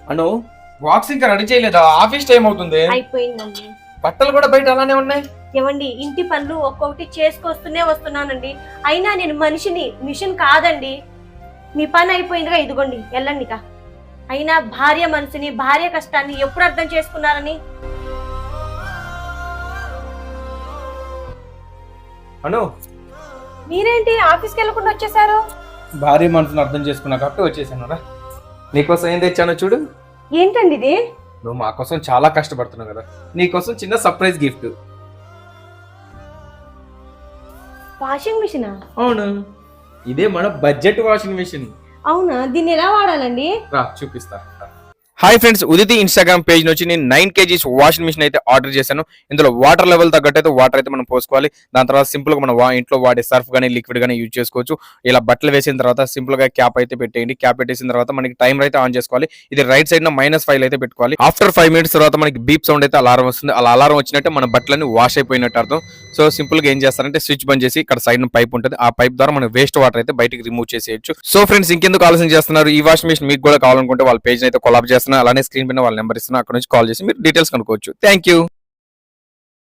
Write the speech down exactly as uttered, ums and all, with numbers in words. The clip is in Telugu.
అను బాక్స్ ఇంకా రెడీ చేయలేదా? ఆఫీస్ టైం అవుతుంది. అయిపోయిందండి. బట్టలు కూడా బయట అలానే ఉన్నాయి. ఏమండి, ఇంటి పనులు ఒక్కొక్కటి చేసుకొస్తూనే వస్తున్నానండి. అయినా నేను మనిషిని, మిషన్ కాదండి. మీ పని అయిపోయిందిగా, ఇదిగోండి వెళ్ళండిగా. అయినా భార్య మనసుని, భార్య కష్టాన్ని ఎప్పుడు అర్థం చేసుకున్నారని. అను మీరేంటి ఆఫీస్కి వెళ్ళకుండా వచ్చేసారు? భార్య మనసును అర్థం చేసుకున్నా కాబట్టి వచ్చేసాను రా. నీకోసం ఏం తెచ్చానో చూడు. ఏంటండి ఇది? నువ్వు మా కోసం చాలా కష్టపడుతున్నావు కదా, నీకోసం చిన్న సర్ప్రైజ్ గిఫ్ట్. వాషింగ్ మిషనా? అవును, ఇదే మన బడ్జెట్ వాషింగ్ మిషన్. అవునా? దీన్ని ఎలా వాడాలండి? రా చూపిస్తా. Hi friends, Uditi Instagram page నుంచి నేను నైన్ కేజీస్ వాషింగ్ మిషన్ అయితే ఆర్డర్ చేశాను. ఇందులో వాటర్ లెవెల్ తగ్గట్టు అయితే వాటర్ అయితే మనం పోసుకోవాలి. దాని తర్వాత సింపుల్ గా మనం ఇంట్లో వాడే సర్ఫ్ కానీ లిక్విడ్ కానీ యూజ్ చేసుకోవచ్చు. ఇలా బట్టలు వేసిన తర్వాత సింపుల్ గా క్యాప్ అయితే పెట్టేయండి. క్యాప్ పెట్టేసిన తర్వాత మనకి టైమర్ అయితే ఆన్ చేసుకోవాలి. ఇది రైట్ సైడ్ మైనస్ ఫైవ్ అయితే పెట్టుకోవాలి. ఆఫ్టర్ ఫైవ్ మినిట్స్ తర్వాత మనకి బీప్ సౌండ్ అయితే అలారం వస్తుంది. అలా అలారం వచ్చినట్టే మన బట్టలన్నీ వాష్ అయిపోయినట్టు అర్థం. సో సింపుల్ గా ఏం చేస్తారంటే స్విచ్ బంద్ చేసి ఇక్కడ సైడ్ పైప్ ఉంటుంది. ఆ పైప్ ద్వారా మనం వేస్ట్ వాటర్ అయితే బయటికి రిమూవ్ చేసేయచ్చు. సో ఫ్రెండ్స్, ఇంకెందుకు ఆలోచన చేస్తున్నారు? ఈ వాషింగ్ మిషన్ మీకు కూడా కావాలనుకుంటే వాళ్ళ పేజ్ అయితే కొలాబ్ చేస్తున్నా, అలానే స్క్రీన్ పైన వాళ్ళ నెంబర్ ఇస్తున్నా, అక్కడ నుంచి కాల్ చేసి మీరు డీటెయిల్స్ కనుక్కోవచ్చు. Thank you.